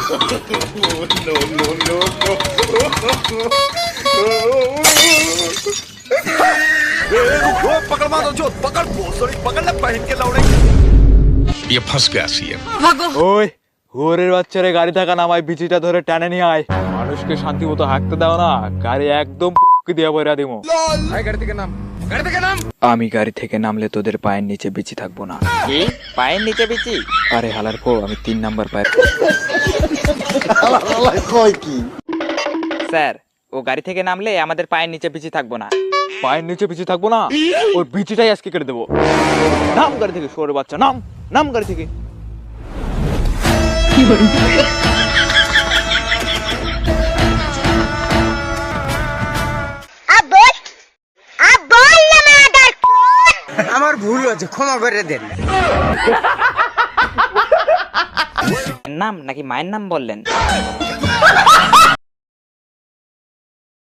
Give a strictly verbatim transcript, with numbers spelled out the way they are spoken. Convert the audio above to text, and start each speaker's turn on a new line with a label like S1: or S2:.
S1: no, no, no, no.
S2: रुको, पकड़ मारो जो पकड़ सॉरी पकड़ ले पहन के लौड़े
S1: ये फंस गया सीएम।
S3: ওই হুয়ারের বাচ্চারে গাড়ি থাকা নামায় বিচিটা ধরে টানে নিয়ে আয়। মানুষকে শান্তি মতো হাঁকতে দাও না, গাড়ি একদম পুক্কি দিয়ে বইরা দিমু।
S2: भाई गाड़ी থেকে নাম গাড়ি থেকে নাম
S3: আমি গাড়ি থেকে নামলে তোদের পায়ের নিচে বিচি থাকবো না।
S4: কি পায়ের নিচে বিচি?
S3: আরে হালার পো, আমি তিন নাম্বার পায়ের।
S4: স্যার ও গাড়ি থেকে নামলে আমাদের পায়ের নিচে বিচি থাকবো না।
S3: পায়ের নিচে বিচি থাকবো না, ওর বিচিটাই আজকে কেটে দেবো। নাম গাড়ি থেকে, শুয়োরের বাচ্চা নাম, নাম গাড়ি থেকে।
S5: আমার ভুল হয়েছে, ক্ষমা করে দেন।
S4: নাম নাকি মায়ের নাম বললেন?